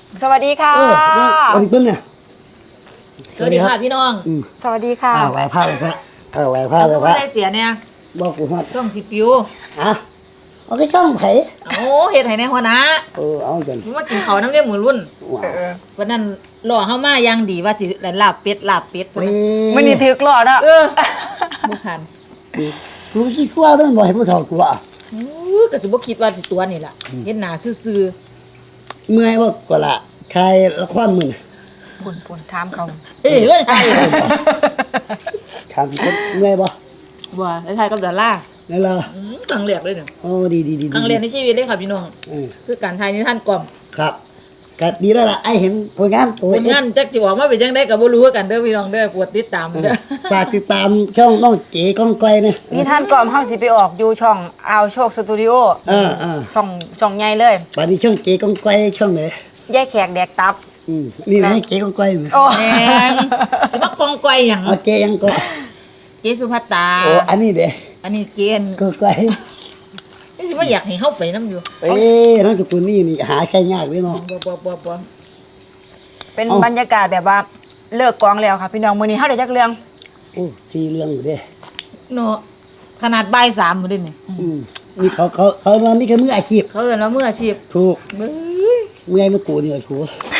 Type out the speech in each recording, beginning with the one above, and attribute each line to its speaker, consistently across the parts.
Speaker 1: สวัสดีค่ะ
Speaker 2: สวัสดีเพิ่นเนี่ย
Speaker 3: สวัสดีค่ะพี่น้อง
Speaker 1: สวัสดีค่ะ
Speaker 2: ไหวผ้าเลยพระไหวผ้าเลยพระ
Speaker 3: ได้เสียเนี่ย
Speaker 2: บอกกูฮอด
Speaker 3: ช่องสิฟิว
Speaker 2: เอาไปช่องไผ
Speaker 3: โอ้เฮ็ดให้แน่หัวหน้า
Speaker 2: เอาจน
Speaker 3: มากินข้าวน้ำเลี้ยงหมูรุ่นวันนั้นรอเฮามาอย่างดีว่าสิลาบเป็ด
Speaker 1: มื้อนี้ถึกรอดอ่ะ
Speaker 3: บ่ทัน
Speaker 2: กูคิดว่ามันบ่ให้ผู้เฒ่าตัว
Speaker 3: ก็สิบ่คิดว่าสิตัวนี่ล่ะเฮ็ดหน้าซื่อ
Speaker 2: เมื่อยบ่กว่าละใครละครมื้อ
Speaker 1: ปุ่นถามเขา
Speaker 3: เฮ้ยเรื่องไทย
Speaker 2: ถามคนเมื่อยบ่
Speaker 3: ว่าไทยกับดอลลาร์
Speaker 2: นั่นล่ะ
Speaker 3: ครั้งแรกเลยเนี่ย
Speaker 2: ดี
Speaker 3: ครั้งแรกในชีวิตเลยค่ะพี่น้องคือการไทยนิทานกล่อม
Speaker 2: ครับก็ดีแล้วล่ะไอ้เห็นผลงาน
Speaker 3: ผลงานจักสิออกมาเป็นจังได๋ก็บ่รู้กันเด้อพี่น้องเด้อปวดติดตามเด้อ
Speaker 2: ฝากติดตามช่องน้องเจ๋ก้องก้อยนะ
Speaker 1: นิทานกล่อมเฮาสิไปออกอยู่ช่องอาวโชคสตูดิโอช่องใหญ่เลย
Speaker 2: บัดนี้ช่องเจ๋ก้องก้อยช่องไหน
Speaker 1: แยกแขกแดกตับ
Speaker 2: นี่นะเจ๊ก้องก้อยมั้ย
Speaker 3: แม่นสิมากองก้อยหยัง
Speaker 2: เจ๊ยังก็
Speaker 3: เจ๊สุภัตตา
Speaker 2: อันนี้เด้
Speaker 3: อันนี้เกณฑ์
Speaker 2: ก้องก้อย
Speaker 3: นี่สิว่าอยากให้เฮาไปนำอยู่
Speaker 2: น้องตระกูลนี่หาใช้ยากเลยเนาะ
Speaker 3: บ่
Speaker 1: เป็นบรรยากาศแบบว่าเลิกกองแล้วค่ะพี่น้องมื้อนี้เฮาได้จักเรื่อง
Speaker 2: 4เรื่องอยู่เด้
Speaker 3: เนาะขนาดบ่าย3มื้อเด้นี่
Speaker 2: นี่เขามานี่คือมืออาชีพ
Speaker 3: เขาเอิ้นว่ามืออาชีพ
Speaker 2: ถูกเมื่อยมากูนี่ครู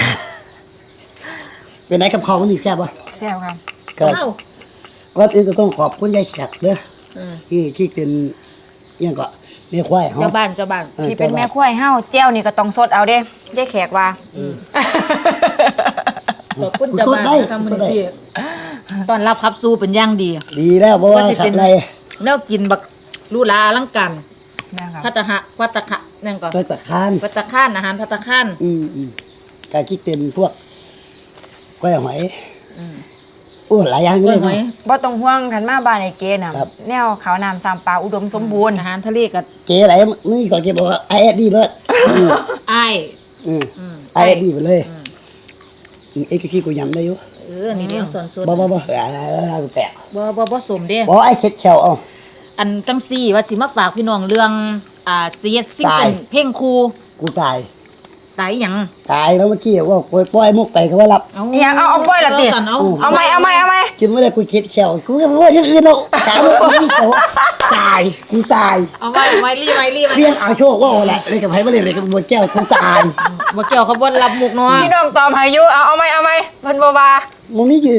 Speaker 2: เป็นไหนกับเขามันนี่แซ่บบ่
Speaker 1: แซ่บครับ
Speaker 2: ก็อื่นก็ต้องขอบคุณยายแขกเด้อที่เป็นยังก็แม่ควายเฮา
Speaker 3: เจ้าบ้าน
Speaker 1: ที่เป็นแม่ควายเฮาแจ้วนี่ก็ต้องสดเอาเด้ยายแขกว่า
Speaker 3: ขอบคุณเจ้าบ้านทำมื้อนี้ตอนรับขับสู้เป็นอย่างดี
Speaker 2: แล้วเพราะว่าขับไร
Speaker 3: แนวกินบักลูลาอลังการภัตตะคะนั่นก่อน
Speaker 2: ภัตตะคาน
Speaker 3: อาหารภัตตะคาน
Speaker 2: การคิดเป็นพวกก้อยหอยหลายอย่างเลย
Speaker 1: บ่ต้องห่วงคันมาบ้านไอ้เกน่ะแนวขาวน้ำ3ปลาอุดมสมบูรณ์
Speaker 3: อาหารทะเลก็
Speaker 2: เกไหลนี่ก็เกบอกว่าไอ้ดีเลยไอ้ดีไปเลยเอ็กซ์ขี้กูยำได้อยู่
Speaker 3: นี่เดี๋ยวสอน
Speaker 2: บ่แปะ
Speaker 3: บ่สมเด้
Speaker 2: บ่ไอ้เช็ดเชล
Speaker 3: อันจังซี่ว่าสิมาฝากพี่น้องเรื่องเสียดซิงเกิลเพลงครู
Speaker 2: กูตาย
Speaker 3: หยัง
Speaker 2: ตายแล้วเมื่อกี้ว่าปล่อยมุกไปก็ว่ารับ
Speaker 1: เอาปล่อยละติเอาไหม
Speaker 2: กินไม่ได้กูเช็ดเชลกูก็ว่าอย่างอื่นแล้วตายกูไม่เชลตายกูตาย
Speaker 3: เอาไว้รี
Speaker 2: เรียกเอาโชคว่าแหละเลยกับไผบ่ได้เลยกับบัวแก้วกูตาย
Speaker 3: บัวแก้วเขาบ่รับมุกเนาะ
Speaker 1: พี่น้องตอบให้อยู่เอาไหมเพิ่นบ่ว่า
Speaker 2: มึงนี่ยืน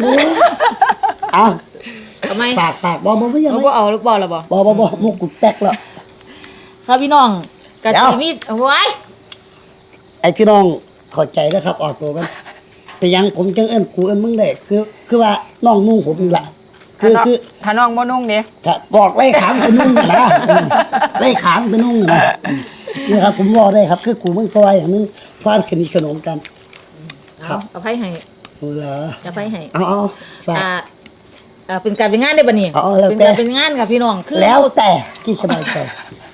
Speaker 2: เอาไหมปากบ่ไม่ยัง
Speaker 3: บ่เอาหรือบ่ล่ะ
Speaker 2: บ่มุกกูแตกแล้ว
Speaker 3: ครับพี่น้องกะสิมีไว้
Speaker 2: ไอ้พี่น้องเข้าใจแล้วครับออกตัวกันแต่ยังผมจังเอิ้นกูเอิ้นมึงได้คือว่าน้องนุ่งผมนี่ล่ะคือ
Speaker 1: ถ้าน้องบ่นุ่งนี่
Speaker 2: บอกไล่ขามไปนุ่งนะไล่ขามไปนุ่งนะนี่ครับผมบอกได้ครับคือกูมึงตัวอย่างนึงฟาดขนมกัน
Speaker 3: ครับอภัยให้
Speaker 2: เหรอ
Speaker 3: อภัยให้
Speaker 2: เอา
Speaker 3: เป็นการเป็นงานได้บ่นี่เป็นการเป็นงานกับพี่น้อง
Speaker 2: คือแล้วแต่ที่สบายใจ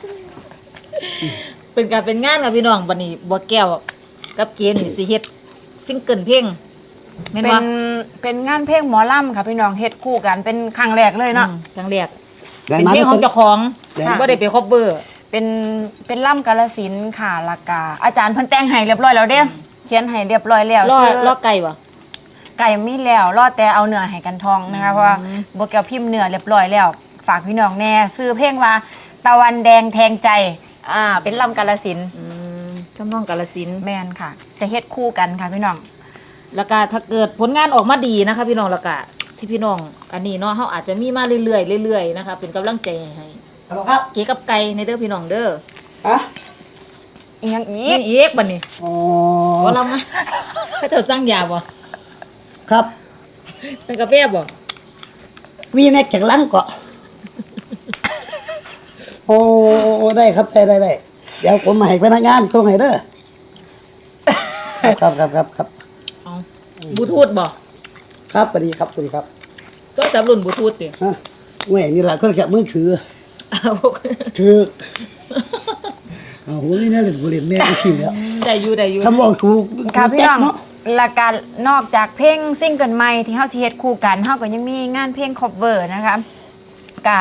Speaker 3: เป็นการเป็นงานกับพี่น้องบัดนี้บัวแก้วกับเกณฑ์นี่สิเฮ็ดซิงเกิลเพลงแม่นบ่
Speaker 1: เป็นงานเพลงหมอลำค่ะพี่น้องเฮ็ดคู่กันเป็นครั้งแรกเลยเนาะ
Speaker 3: ครั้งแรกเป็นเพลงของเจ้าของบ่ได้ไปคอฟเวอร์
Speaker 1: เป็นล่ำกาฬสินธุ์ค่ะละกาอาจารย์เพิ่นแต่งให้เรียบร้อยแล้วเด้เขียนให้เรียบร้อยแล้ว
Speaker 3: รอไก่บ่
Speaker 1: ไก่มีแล้วรอแต่เอาเนื้อให้กันทองนะคะเพราะว่าบัวแก้วพิมพ์เนื้อเรียบร้อยแล้วฝากพี่น้องแน่ซื้อเพลงว่าตะวันแดงแทงใจเป็นล่ำกาฬสินธุ์
Speaker 3: ทำนองกาฬสินธุ์
Speaker 1: แม่นค่ะจะเฮ็ดคู่กันค่ะพี่น้อง
Speaker 3: แล้วก็ถ้าเกิดผลงานออกมาดีนะคะพี่น้องแล้วก็ที่พี่น้องอันนี้เนาะเฮาอาจจะมีมาเรื่อยๆนะคะเป็นกำลังใจให้
Speaker 2: ครับ
Speaker 3: เก๋กับไก่ในเด้อพี่น้องเด้อ
Speaker 1: อีหยัง
Speaker 3: อีกบัดนี้บ่ลำนะเขาเจ้าสั่งยาบ่
Speaker 2: ครับ
Speaker 3: เป็นกาแฟบ่
Speaker 2: วีแม็กจากลังเกาะโอ้ได้ครับได้เดี๋ยวผมมาให้พนักงานส่งให้เด้อครับ
Speaker 3: บลูทูธบ่
Speaker 2: ครับสวัสดีครับ
Speaker 3: ก็สำรุ่นบลูทูธติ
Speaker 2: แหม่นี่ล่ะก็แค่มือถือคือโหนี่น่าเล่นบ่เล่นแม่อีสิแล้ว
Speaker 3: ได้อยู่
Speaker 2: คำบอกถูก
Speaker 1: ค่ะพี่น้องและการนอกจากเพลงซิงเกิลใหม่ที่เฮาสิเฮ็ดคู่กันเฮาก็ยังมีงานเพลงคอฟเวอร์นะคะกะ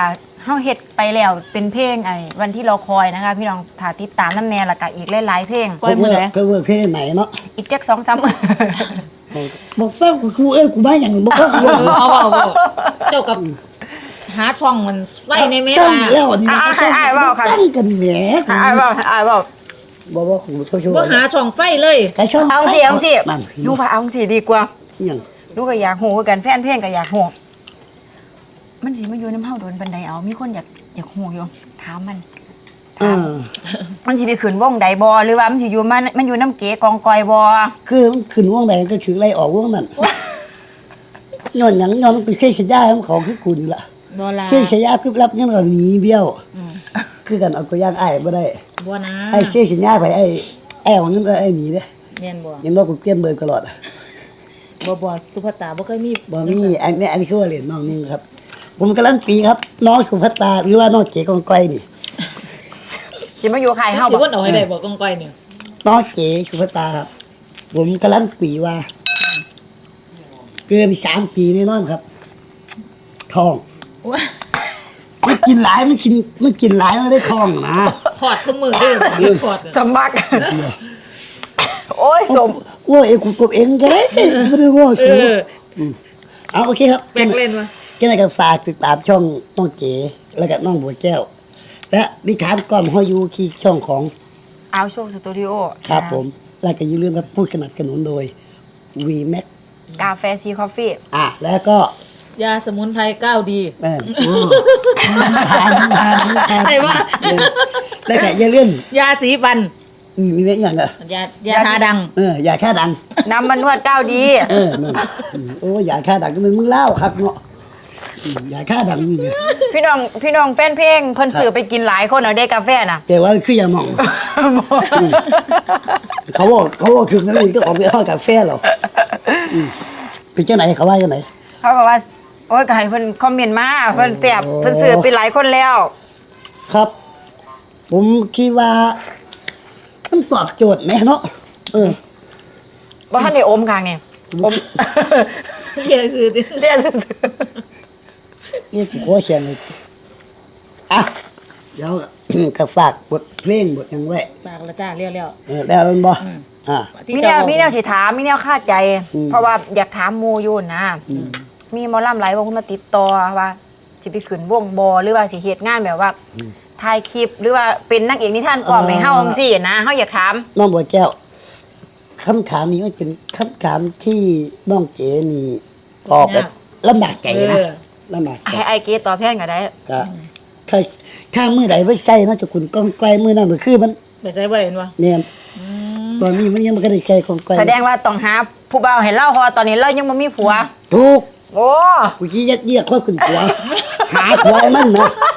Speaker 1: เฮาเฮ็ดไปแล้วเป็นเพลงไอ้วันที่เราคอยนะคะ พี่น้องถ้าติดตามน้ำแน่และก็อีกหลายๆเพลง
Speaker 3: ปล่อยมื้อใด
Speaker 2: ก็เวิร์กเพลงไหนเนาะ
Speaker 1: อีกจัก2-3มื้อ
Speaker 2: บอกฟังกูกูบ้าอย่างบอกฟังกู
Speaker 3: เอาเจ้ากับหาช่องมันไว้ในเม
Speaker 2: ช่อง
Speaker 3: ลา
Speaker 2: แล้วนี่
Speaker 1: อ้ายเว้าค่ะ
Speaker 2: ตั้งกันแหม
Speaker 1: อ้ายบอก
Speaker 2: บอกกูเขาช่วย
Speaker 3: บ่หาช่องไฟเลย
Speaker 2: ไอ้ช่อง
Speaker 1: เอาสิ
Speaker 2: นั่น
Speaker 1: ลูกว่าเอาสิดีกว่า
Speaker 2: ยัง
Speaker 1: ลูกก็อยากฮู้คือกันแฟนเพลงก็อยากฮู้มันสิมาอยู่น้ำเฮาโดนปานใดเอามีคนอยากฮู้อยู่ถามมัน มันสิไปขึ้นวงใดบ่หรือว่ามันสิอยู่มันอยู่น้ำเก๋กองกอยบ่
Speaker 2: คือมันขึ้นวงไหนก็ถือไล่ออกวงนั้นย้อนหยังย้อนไปเสียฉายาของเขาคือกูนี่ล่ะ
Speaker 3: บ่ล่ะ
Speaker 2: เสียฉายาคือรับยังก็หนีเบี้ยวคือกันเอาก็ย่างอ้ายบ่ได้
Speaker 3: บ่นะ
Speaker 2: ไอ้เสียฉายาไปไอ้ของนั้นไอ้หนีเด้
Speaker 3: แม่นบ่
Speaker 2: ยังว่ากูเกลียนเบอร์ตลอด
Speaker 3: บ่สุภาตาบ่เคยมี
Speaker 2: บ่มีอันนี้คือว่าเหรียญน้องนึงครับ ผมกำลังตีครับ น้องสุภัตตาหรือว่าน้องเก๋กองก้อยนี่
Speaker 1: สิมาอยู่ใครเฮา
Speaker 3: สิ
Speaker 1: บ่
Speaker 3: วนเอาให้ได้บ่กองก้อยนี่
Speaker 2: น้องเก๋สุภัตตาครับ ผมกำลังตีว่า เกิน3 ปีแน่นอนครับทองมันกินหลายมันกินหลายมันได้ทองนะ
Speaker 3: ขอดคือมือเด้อขอด
Speaker 1: สมัคร โอ้ยสม
Speaker 2: ว่าเองกูกบเองก็ได้ไม่ได้ว่า
Speaker 3: เอ
Speaker 2: สู
Speaker 3: อ
Speaker 2: เอาโอเคครับ
Speaker 3: แบกเล่นวะ
Speaker 2: ก็เลยก็ฝากติดตามช่องน้องเก๋แล้วก็น้องบัวแก้ว และดิฉันก้อมห้อยยูที่ช่องของ
Speaker 1: เอาโชคสตูดิโอ
Speaker 2: ครับผม แล้วก็อย่าลืมครับพูดสนับสนุนโดย VMAX
Speaker 1: กาแฟซีคอฟฟี่
Speaker 2: แล้วก็
Speaker 3: ยาสมุนไพร9ดี
Speaker 2: แม่นทาน
Speaker 3: ใครวะ
Speaker 2: แล้วก็อย่าลืม
Speaker 3: ยาสีฟัน
Speaker 2: มีเรื่องอย่างอ่ะ
Speaker 3: ยาทาดัง
Speaker 2: อย่าแค่ดัง
Speaker 1: น้ำมันนวด9ดี
Speaker 2: นั่นโอ้อย่าแค่ดังก็เป็นมึงเล่าครับเนาะอย่าแค่ดังนี่ไง
Speaker 1: พี่น้องแฟนเพลงเพิ่นซื้อไปกินหลายคนเอาได้กาแฟน่ะ
Speaker 2: แต่ว่าคืออย่ามอง เขาว่าคือนั่นเองก็ออกไปห้องกาแฟหรอเป็นเจ้าไหนเขาว่าเจ้าไหน
Speaker 1: เขาบอกว่าโอ้ยก็ให้เพิ่นคอมเมนต์มาเพิ่นแซ่บเพิ่นซื้อไปหลายคนแล้ว
Speaker 2: ครับ ผมคิดว่ามันตอบโจทย์ไหมเนาะ
Speaker 1: บ่ทันได้อมข้างนี่อม
Speaker 3: เรียนซื้อดิ
Speaker 1: เรียนซื่อ
Speaker 2: นี่ผมขอเชียงเลยเดี๋ยวก็ฝากบทเพลงบทยังไว้
Speaker 3: ฝากแล้วจ้าเรียว
Speaker 2: แล้วมันบ่
Speaker 1: ๆมีแนวสิถามมีแนวคาดใจ เพราะว่าอยากถามหมู่อยู่นะมีหมอลำหลายวงมาติดต่อว่าสิไปขึ้นวงบ่หรือว่าสิเฮ็ดงานแบบว่าถ่ายคลิปหรือว่าเป็นนางเอกนิทานก่อนให้เฮาจังซี่นะเฮาอยากถาม
Speaker 2: น้องบัวแก้วคำถามนี้มันเป็นคำถามที่น้องเก๋นี่ตอบแบบลำบากใจนะลำบากใจ
Speaker 1: ให้ไอเกตอบแทนก็ได้
Speaker 2: ก็ถ้ามือไหนไว้ใส่น่าจะคุณก้องไกลมือนั่นก็คือมัน
Speaker 3: ไปใช้บ่ได้เห็นวะ
Speaker 2: เนี่ยตอนนี้มันยังไม่ได้ใช้ของไกล
Speaker 1: แสดงว่าต้องหาผู้บ่าวให้เล่าเพราะว่าตอนนี้เรายังบ่มีผัว
Speaker 2: ถูก
Speaker 1: โอ้
Speaker 2: กูชี้ยัดเยียดข้อขึ้นหัวหาหัวไอ้มันนะ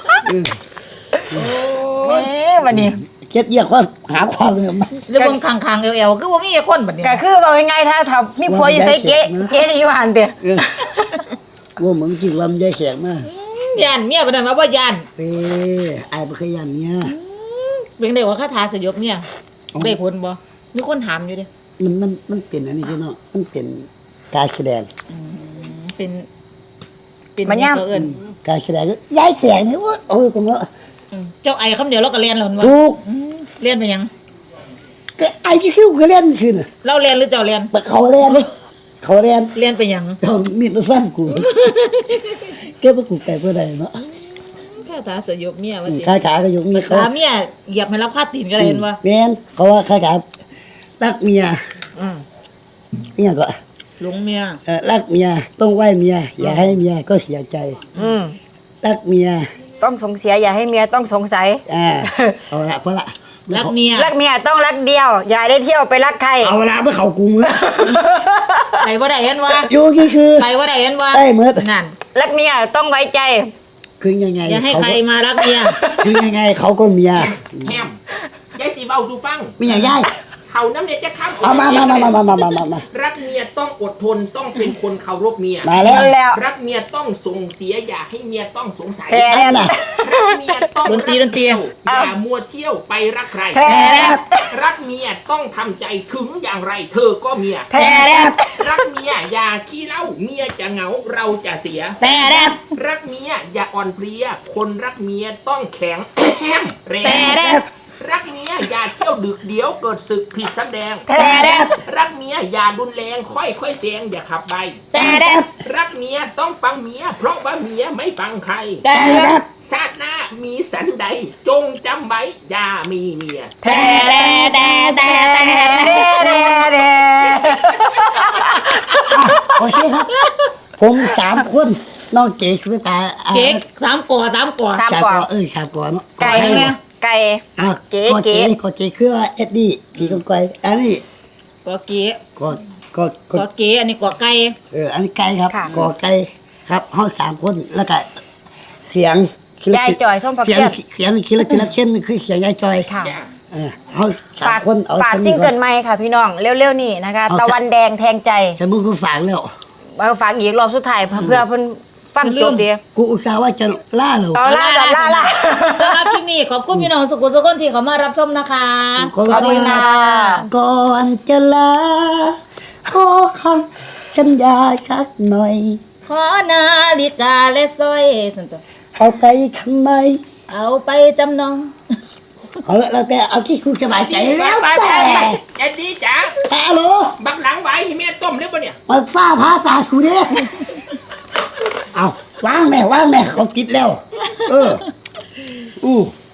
Speaker 1: วันนี้
Speaker 2: ยัดเยียดข้อหาความเลยมัน
Speaker 3: เรื่องคางๆเอวๆคือบ่มีคนบัดนี้
Speaker 1: ก็คือว่าง่ายๆถ้ามีผัวอยู่ใส่เก๊จะอยู่หันเด้อ
Speaker 2: ว่าเหมือนกินลำไยแสกมาก
Speaker 3: ย่านเมียบ่ได้มาบ่ย่าน
Speaker 2: ไอ้บ่เคยยันเนี่ย
Speaker 3: เป็นได้ว่าคาถาสยบเนี่ยได้ผลบ่มีคนถามอยู่เด้
Speaker 2: มันเป็นอันนี้พี่น้องมันเป็นการแสดง
Speaker 3: เป็น
Speaker 1: มันย่ำ
Speaker 3: ก็เอิ้น
Speaker 2: การแสดงก็ยายแสกเนี่ยว่าโอ้ยผมว่า
Speaker 3: เจ้าไอ้คำเดียวเราก็เรียนแล้ววะ
Speaker 2: ถูก
Speaker 3: เรียนไปยัง
Speaker 2: ก็ไอ้ที่คิ้วก็เล่นขึ้น
Speaker 3: เราเรียนหรือเจ้าเรียน
Speaker 2: แต่เขาเล่น
Speaker 3: เรียนไปยัง
Speaker 2: เขามีดมาฟันกูเก็บมากูไก่เพื่อใดเนาะ
Speaker 3: คาถาสยบเมียว่าติ
Speaker 2: ขาก็ยกมีเขา
Speaker 3: ถามเมียเหยียบให้รับค่าตีนก็ได้เห็นบ่
Speaker 2: แม่นเขาว่าขารักเมียเนี่ยก็
Speaker 3: หลงเมีย
Speaker 2: รักเมียต้องไหว้เมียอย่าให้เมียก็เสียใจรักเมีย
Speaker 1: ต้องสงเสียอย่าให้เมียต้องสงสัย
Speaker 2: เอาละเพราะละ
Speaker 3: รักเมีย
Speaker 1: รักเมียต้องรักเดียว อย่าได้เที่ยวไปรักใคร
Speaker 2: เอาละเมื่อเขากูมือ
Speaker 3: ไปบ่ได้เห็นว่า
Speaker 2: อยู่คือ
Speaker 3: ไปบ่ได้เห็นว่า
Speaker 2: ได้เมื่อ
Speaker 3: นั่น
Speaker 1: รักเมียต้องไว้ใจ
Speaker 2: คือยังไง
Speaker 3: อย่าให้ใครมารักเมีย
Speaker 2: คือยังไงเขาก็เมีย
Speaker 4: แฮมยายสีเบาดูฟัง
Speaker 2: ไม่อยากย้าย
Speaker 4: คเขาน้ำเนี่ยจะข้าม
Speaker 2: เอามา
Speaker 4: รักเมียต้องอดทนต้องเป็นคนเคารพเมีย
Speaker 2: มาแล้ว
Speaker 1: แล้ว
Speaker 4: รักเมียต้องส่งเสียอย่าให้เมียต้องสงสัย
Speaker 1: แพ้แล้วนะ
Speaker 4: รักเมียต้อง
Speaker 3: ดนตรี
Speaker 4: อย่ามัวเที่ยวไปรักใคร
Speaker 1: แพ้แล้ว
Speaker 4: รักเมียต้องทำใจถึงอย่างไร เธอก็เมีย
Speaker 1: แพ้แล้ว
Speaker 4: รักเมียอย่าขี้เหล้าเมียจะเหงาเราจะเสีย
Speaker 3: แต่แดด
Speaker 4: รักเมียอย่าอ่อนเพลียคนรักเมียต้องแข็งแฮมแรง
Speaker 3: แต่แดด
Speaker 4: รักเมียอย่าเที่ยวดึกเดี๋ยวเกิดศึกผิดสำแดง
Speaker 1: แพ้แล้ว
Speaker 4: รักเมียอย่ารุนแรงค่อยๆเสียงอย่าขับใบ
Speaker 3: แต่แดด
Speaker 4: รักเมียต้องฟังเมียเพราะว่าเมียไม่ฟังใคร
Speaker 3: แต่แดด
Speaker 4: ชาติหน้ามีสันใดจงจำไว้อย่ามีเมีย
Speaker 1: แพ้แล้วแพ้แล้ว
Speaker 2: โอเคครับ ผม3 คนน้องเก๋คุณตา
Speaker 3: เก๊ก3 ก่อ
Speaker 1: สาม
Speaker 2: ชาก่อชาก่อเนาะ
Speaker 1: ไก่ไก่
Speaker 2: อ่ะ
Speaker 1: เก๋
Speaker 2: ก็
Speaker 1: เก๋
Speaker 2: ก็เก๋คือเอ็ดดี้พี่ก้อยอันนี้
Speaker 3: ก่อเก๊
Speaker 2: ก็ก็
Speaker 3: ก่อเก๊อันนี้ก่อไก่
Speaker 2: อันนี้ไก่ครับก่อไก่ครับห้อง3 คนแล้วก็เสียง
Speaker 1: ยายจอยส้มผัก
Speaker 2: เสียง
Speaker 1: เกี้ยน
Speaker 2: คิดละเช่นคือเสียงยายจอย
Speaker 1: ค่ะ
Speaker 2: ห้อง
Speaker 1: ฝาก
Speaker 2: 3 คนเอา
Speaker 1: ฝากซิงเกิลใหม่ค่ะพี่น้องเร็วๆนี่นะคะ ตะวันแดงแทงใจ
Speaker 2: ฉันมึงกูฝากแล้ว
Speaker 1: มาฝากอีกรอบสุดท้ายเพื่อเพิ่นฟังจบดี
Speaker 2: กูอุตส่าห์ว่าจะล่าเหรอ
Speaker 1: เอาล่า
Speaker 3: สำหรับคลิปนี้ขอบคุณพี่น้องสุขุมสุขคนที่เขามารับชมนะคะ
Speaker 2: ขอบคุณ
Speaker 1: ขอบคุณค่ะ
Speaker 2: ก่อนจะลาขอคำสัญญาสักหน่อย
Speaker 3: ขอนาฬิกาและสร้อยสันตัว
Speaker 2: เอาไปทำไม
Speaker 3: เอาไปจำนอง
Speaker 2: เอาละแล้วแต่เอาที่คุณสบายใจแล้ว
Speaker 4: ไป
Speaker 2: แต่
Speaker 4: เอ็ดดี้จ๋า
Speaker 2: ฮัลโหล
Speaker 4: บักหลังไหวให้แม่ต้มเรียบร้อยเนี่ย
Speaker 2: มาฟ้าพาตากูเนี่ยเอาว่างแม่เขาติดแล้ว อู้